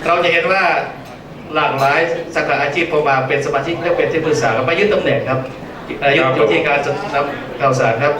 เราจะเห็นว่าหลากหลายสาขาอาชีพพอมาเป็นสมาชิกและเป็นที่ปรึกษาก็มายึดตำแหน่งครับยึดที่การจัดนำข่าวสารครับ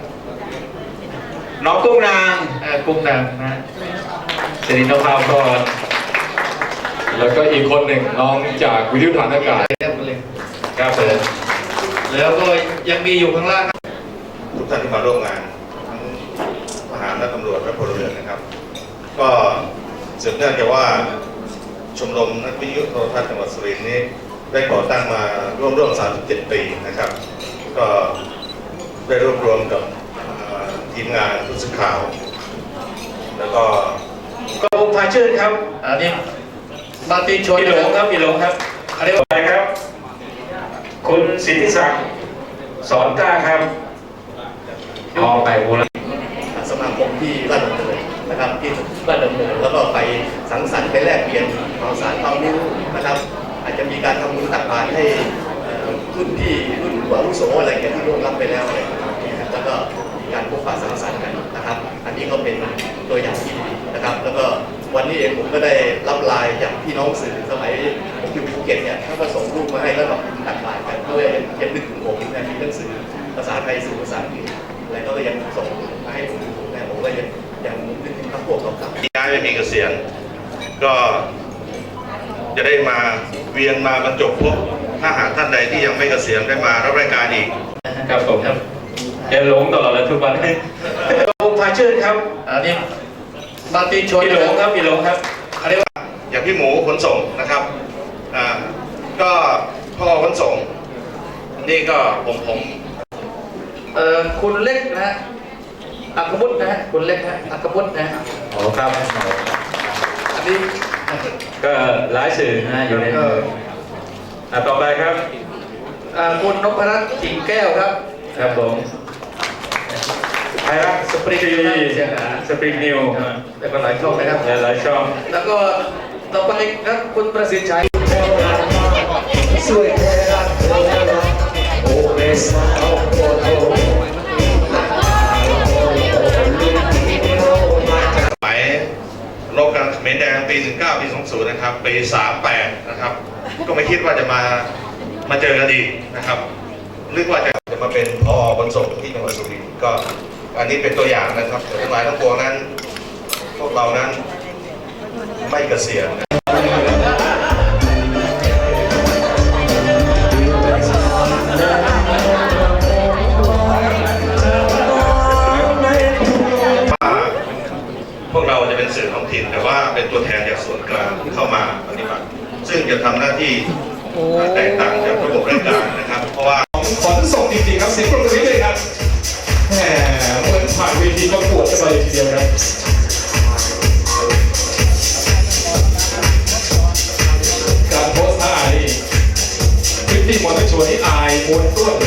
น้องกุ้งนางกุ้งนางนะสิรินภาพรแล้วก็อีกคนหนึ่งน้องจากวิทยุฐานอากาศครับผมแล้วก็ยังมีอยู่ข้างล่างทุกท่านที่มาร่วมงานทั้งทหารและตำรวจและพลเรือนนะครับ ก็สืบเนื่องจากว่าชมรมนักวิทยุโทรทัศน์จังหวัดสุรินทร์นี้ได้ก่อตั้งมาร่วม37 ปีนะครับ ก็ได้รวบรวมกับทีมงานผู้สื่อข่าวแล้วก็วงพาชื่นครับอันนี้มาตีชวนพี่หลงครับพี่หลงครับอันนี้อะไรครับคุณสิทธิศักดิ์สอนกล้าครับออกไปบูรณะสมาคมที่ราชดำเนินนะครับที่ราชดำเนินแล้วก็ไปสังสรรค์ไปแลกเปลี่ยนข่าวสารความรู้นะครับอาจจะมีการทำบุญตักบาตรให้รุ่นผู้อาวุโสอะไรอย่างที่ร่วงรับไปแล้วอะไรนะครับแล้วก็มีการพบปะสังสรรค์กันนะครับอันนี้ก็เป็นตัวอย่างที่ดีนะครับแล้วก็วันนี้เองผมก็ได้รับไลน์จากพี่น้องสื่อสมัยผมอยู่ภูเก็ตเนี่ยเขาก็ส่งรูปมาให้แล้วแบบตักบาตรกันด้วยยังนึกถึงผมนะมีหนังสือภาษาไทยสื่อภาษาอังกฤษอะไรก็ยังส่งมาให้ผมดูนะผมก็ยังนึกถึงคำพวกเก่าๆย้ายไปมีเกษียณก็จะได้มาเวียนมาบรรจบพบถ้าหากท่านใดที่ยังไม่เกษียณได้มารับรายการอีกครับผมเดี๋ยวหลงตลอดเลยทุกวันวงพาชื่นครับอันนี้มาตีชวนพี่หลงครับพี่หลงครับอันนี้ว่าอย่างพี่หมูขนส่งนะครับก็พ่อขนส่งนี่ก็ผมคุณเล็กนะฮะอัครบุตรนะฮะคุณเล็กนะอัครบุตรนะโอ้ครับอันนี้ก็หลายสื่อนะอยู่ในต่อไปครับคุณนพรัตน์กิ่งแก้วครับครับผมไทยรัฐสปริงนิวสปริงนิวแล้วก็หลายช่องนะครับหลายช่องแล้วก็ต่อไปครับคุณประสิทธิ์ชัยสวยแท้รักโอ้เมสาวโคโตหมายรบกันเขมรแดงปี 19 ปี 20 นะครับปี 38 นะครับก็ไม่คิดว่าจะมาเจอกันอีกนะครับนึกว่าจะมาเป็นผอ.ขนส่งที่จังหวัดสุรินทร์ก็อันนี้เป็นตัวอย่างนะครับทั้งหลายทั้งปวงนั้นพวกเรานั้นไม่เกษียณพวกเราจะเป็นสื่อท้องถิ่นแต่ว่าเป็นตัวแทนจากส่วนกลางที่เข้ามาปฏิบัติซึ่งจะทำหน้าที่แตกต่างจากระบบราชการนะครับเพราะว่าขนส่งจริงๆครับเสียงปรบมือเลยครับแหมเหมือนผ่านเวทีประกวดกันไปทีเดียวครับการโพสท่านี่คลิปที่มวนไม่ชวนนี่อายมวนตัว